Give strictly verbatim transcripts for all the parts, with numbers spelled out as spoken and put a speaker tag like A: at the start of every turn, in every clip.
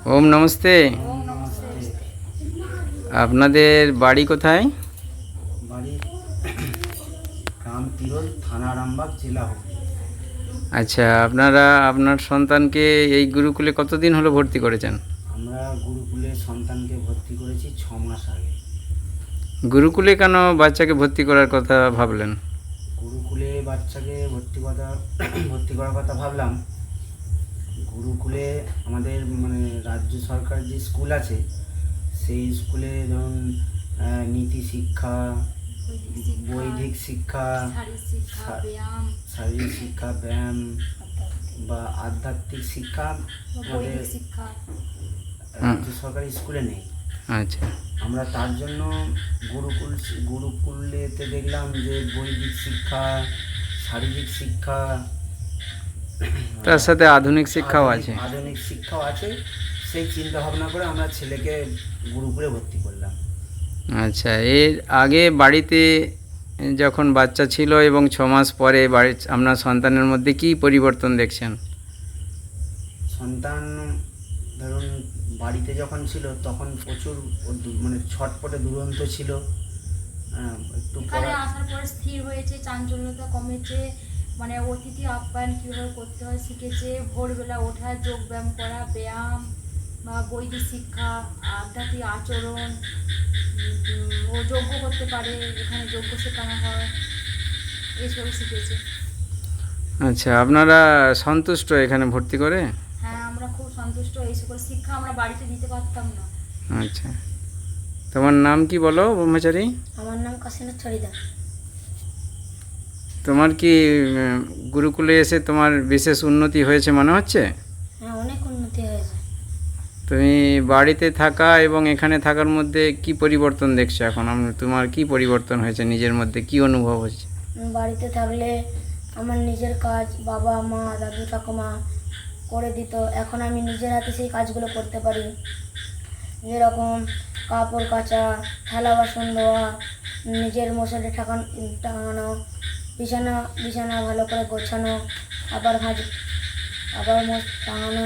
A: ওম নমস্তে। আপনাদের বাড়ি কোথায়?
B: বাড়ি গ্রাম তিরোল, থানা আরামবাগ, জেলা হুগলি।
A: আচ্ছা, আপনারা আপনার সন্তানকে এই গুরুকুলে কতদিন হলো ভর্তি করেছেন?
B: আমরা গুরুকুলে সন্তানকে ভর্তি করেছি ছ মাস আগে।
A: গুরুকুলে কেন বাচ্চাকে ভর্তি করার কথা ভাবলেন?
B: গুরুকুলে বাচ্চাকে ভর্তি কথা ভর্তি করার কথা ভাবলাম। গুরুকুলে আমাদের মানে রাজ্য সরকার যে স্কুল আছে, সেই স্কুলে ধরুন আহ, নীতি শিক্ষা, বৈদিক শিক্ষা, শারীরিক শিক্ষা, ব্যায়াম বা আধ্যাত্মিক শিক্ষা আমাদের রাজ্য সরকারি স্কুলে নেই।
A: আচ্ছা,
B: আমরা তার জন্য গুরুকুল গুরুকুলেতে দেখলাম যে বৈদিক শিক্ষা, শারীরিক শিক্ষা,
A: তার সাথে আধুনিক শিক্ষাও
B: আধুনিক-
A: আছে।
B: আধুনিক শিক্ষাও আছে। সেই চিন্তা ভাবনা করে আমরা ছেলেকে গুরুকুলে ভর্তি করলাম।
A: আচ্ছা, এর আগে বাড়িতে যখন বাচ্চা ছিল এবং ছ মাস পরে বাড়ি আপনার সন্তানের মধ্যে কি পরিবর্তন দেখছেন?
B: সন্তান ধরুন বাড়িতে যখন ছিল তখন প্রচুর ও দু- মানে ছটপটে দুরন্ত ছিল। হ্যাঁ, একটু
C: এখানে
B: পড়া
C: আসার পরে স্থির হয়েছে, চাঞ্চল্যতা কমেছে, মানে অতিথি আপ্যায়ন কীভাবে করতে হয় শিখেছে, ভোরবেলা ওঠা, যোগ ব্যায়াম করা, ব্যায়াম বা বৈদিক শিক্ষা, আধ্যাত্মিক আচরণ, উম, ও যজ্ঞ করতে পারে, এখানে যজ্ঞ শেখানো হয়, এইসব শিখেছে।
A: আচ্ছা, আপনারা সন্তুষ্ট এখানে ভর্তি করে?
C: হ্যাঁ, আমরা খুব সন্তুষ্ট। এই সকল শিক্ষা আমরা বাড়িতে দিতে পারতাম না।
A: আচ্ছা, তোমার নাম কি বলো ব্রহ্মচারী?
C: আমার নাম কাশীনাথ ছড়িদার।
A: তোমার কি উম, গুরুকুলে এসে তোমার বিশেষ উন্নতি হয়েছে মনে হচ্ছে?
C: হ্যাঁ, অনেক উন্নতি হয়েছে।
A: তুমি বাড়িতে থাকা এবং এখানে থাকার মধ্যে কি পরিবর্তন দেখছো এখন? আম- তোমার কি পরিবর্তন হয়েছে, নিজের মধ্যে কি অনুভব হচ্ছে?
C: বাড়িতে থাকলে আমার নিজের কাজ বাবা মা দাদু ঠাকুমা করে দিত, এখন আমি নিজের হাতে সেই কাজগুলো করতে পারি। যেরকম কাপড় কাচা, থালা বাসন ধোয়া, নিজের মশারি ঠাকান টাঙানো, বিছানা বিছানা ভালো করে গোছানো, আবার ভাজ আবার মোছ টাঙানো,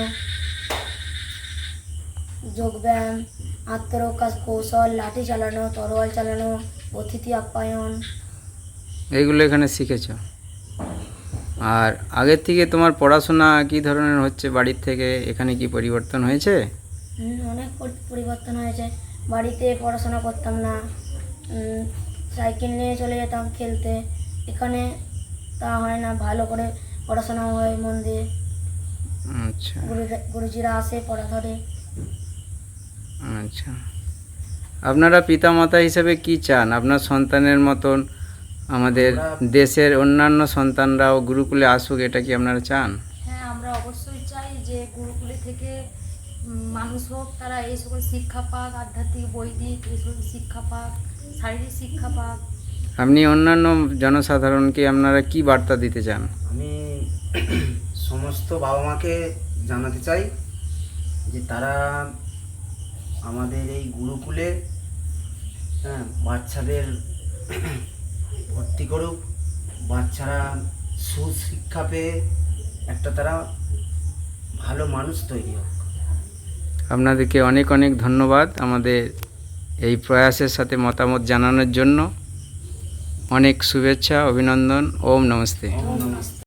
C: যোগব্যায়াম, আত্মরক্ষা কৌশল, লাঠি চালানো, তরোয়াল চালানো, অতিথি আপ্যায়ন।
A: এইগুলো এখানে শিখেছো? আর আগের থেকে তোমার পড়াশোনা কি ধরনের হচ্ছে বাড়ির থেকে? এখানে কি পরিবর্তন হয়েছে?
C: হুম, অনেক পরি- পরিবর্তন হয়েছে। বাড়িতে পড়াশোনা করতাম না, উম, সাইকেল নিয়ে চলে যেতাম খেলতে। এখানে তা হয় না, ভালো করে পড়াশোনা হয় মন দিয়ে।
A: আচ্ছা
C: গুরু গুরুজিরা আসে, পড়া ধরে।
A: আচ্ছা, আপনারা পিতামাতা হিসেবে কি চান আপনার সন্তানের মতন আমাদের
B: আমরা-
A: দেশের অন্যান্য সন্তানরাও গুরুকুলে আসুক, এটা কি আপনারা চান?
C: হ্যাঁ, আমরা অবশ্যই চাই যে গুরুকুলে থেকে উম, মানুষ হোক, তারা এই সকল শিক্ষা পাক, আধ্যাত্মিক বৈদিক এই সকল শিক্ষা পাক, শারীরিক শিক্ষা পাক।
A: আপনি অন্যান্য জনসাধারণকে আপনারা কি বার্তা দিতে চান?
B: আমি সমস্ত বাবা মাকে জানাতে চাই যে তারা আমাদের এই গুরুকুলে হ্যাঁ বাচ্চাদের ভর্তি করুক। বাচ্চারা সুশিক্ষা পেয়ে একটা তারা ভালো মানুষ তৈরি হোক।
A: আপনাদেরকে অনেক অনেক ধন্যবাদ আমাদের এই প্রয়াসের সাথে মতামত জানানোর জন্য। অনেক শুভেচ্ছা, অভিনন্দন। ওম নমস্তে।
B: ওম নমস্তে।